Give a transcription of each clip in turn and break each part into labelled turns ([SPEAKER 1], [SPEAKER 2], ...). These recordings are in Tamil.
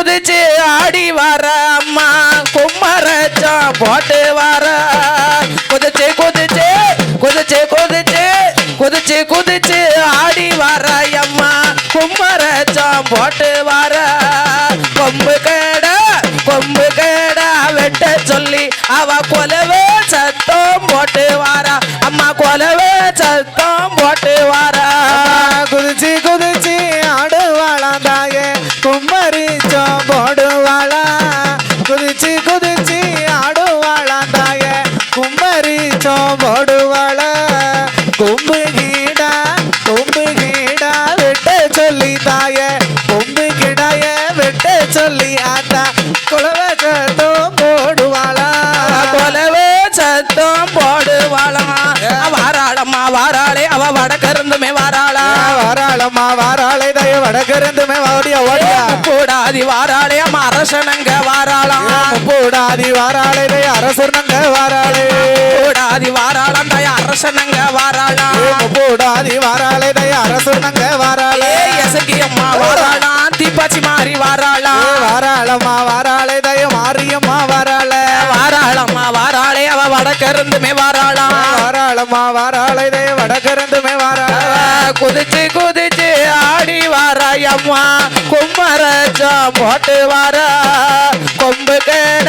[SPEAKER 1] குதிச்சு ஆடி வர அம்மா கும்மரச்சம் போட்டு வர குதிச்சு குதிச்சு குதிச்சு குதிச்சு குதிச்சு குதிச்சு ஆடி வர அம்மா கும்மரச்சம் போட்டு வர கொம்பு கேட வெட்ட சொல்லி அவ கொலவே சத்தம் போட்டு வாரா அம்மா கொலவே சத்தம் போட்டு வாரா
[SPEAKER 2] குதிச்சு குதிச்சு ஆடுவாளாம் தாயே கும்மரிச்சம் போடுவாளா குதிச்சு குதிச்சு ஆடுவாளாம் தாயே கும்மரிச்சம் போடுவாளா கொம்பு கீடா வெட்ட சொல்லி தாயே கொம்பு கிடாய வெட்ட சொல்லி ஆத்தா குலவை சத்தம் போடுவாளா
[SPEAKER 1] கொலவே சத்தம் போடுவாளா வாராளம்மா வாராளே அவ வடக்கிருந்துமே வாராளா
[SPEAKER 2] வாராளம்மா வாராளே தய வடக்கிருந்துமே ஓடியா ஓடியா
[SPEAKER 1] கூடாதி வாராளே அம்மா அரசனங்க வாராளா
[SPEAKER 2] கூடாதி வாராளே தய அரசனங்க வாராளே
[SPEAKER 1] கூடாதி வாராளம் தய அரசனங்க வாராளா
[SPEAKER 2] கூடாதி வாராளே தய அரசனங்க வாராளே
[SPEAKER 1] எசகி அம்மா வாராளா தீபாச்சி மாறி வாராளா
[SPEAKER 2] வாராளம்மா வாராளே தய மாரியம்மா வாராளே
[SPEAKER 1] வாராளம்மா வாராளே அவ வடக்கிருந்துமே வாராளா
[SPEAKER 2] வாராளம்மா வாராளே தய வடக்கிருந்துமே வாராளே
[SPEAKER 1] குதிச்சு குதிச்சு ஆடி வாராயம்மா கும்மரச்சம் போட்டு வார கொம்பு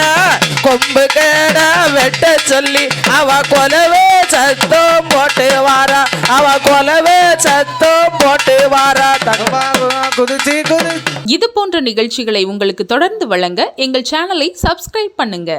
[SPEAKER 1] கேட வெட்ட சொல்லி அவ கொலவே சத்தம் போட்டு வாரா அவ கொலவே சத்தம் போட்டு வாரா
[SPEAKER 2] குதிச்சு குதிச்சு
[SPEAKER 3] இது போன்ற நிகழ்ச்சிகளை உங்களுக்கு தொடர்ந்து வழங்க எங்கள் சேனலை சப்ஸ்கிரைப் பண்ணுங்க.